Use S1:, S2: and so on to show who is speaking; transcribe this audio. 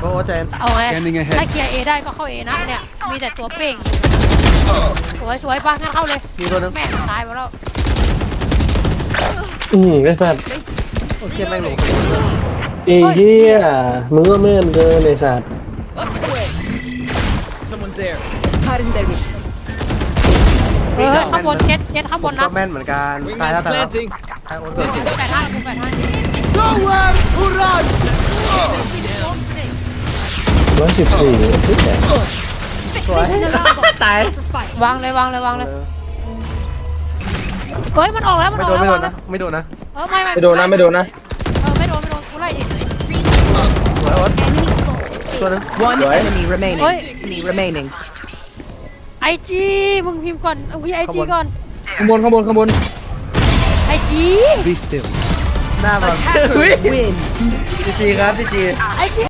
S1: โอ้เจน
S2: เอาไงถ้าเคลียร์เอได้ก็เข้าเอนะเนี่ยมีแต่ตัวเป่งสวยป่ะงั้นเข้าเลย
S1: มีตัวนึง
S2: แม่ตายไปแล้ว
S3: ไอ้สัตว์
S1: โอ้เชี่ยแม่งหลง
S3: ไอ้เหี้ยมึงก็แม่นเกินไอ้สัตว์
S2: ข้างบนเจ็ดข้างบนนะ
S1: ก็แม่นเหมือนกันตายแล้วตายแล้วตายโอนเกิด
S2: 85
S3: 114ที่แตก
S1: สวยตายว
S2: างเลยเฮ้ยมันออกแล้วมัน
S1: ไม่
S2: ออก
S1: โดน
S2: แล้ว
S1: ไม่โดนนะ
S2: ไม่
S3: ไม่โดนนะ
S2: ไม่โดนกูไล่ดิ
S1: สวยโอ๊ตตัวนึง
S4: One enemy remaining.
S2: ไอจีมึงพิมพ์ก่อนพี่ไอจีก่อน
S3: ข้างบน
S2: ไอจี
S1: หน้าบอล
S4: Win.
S1: พี่จีครับพี่จี
S2: ไอจี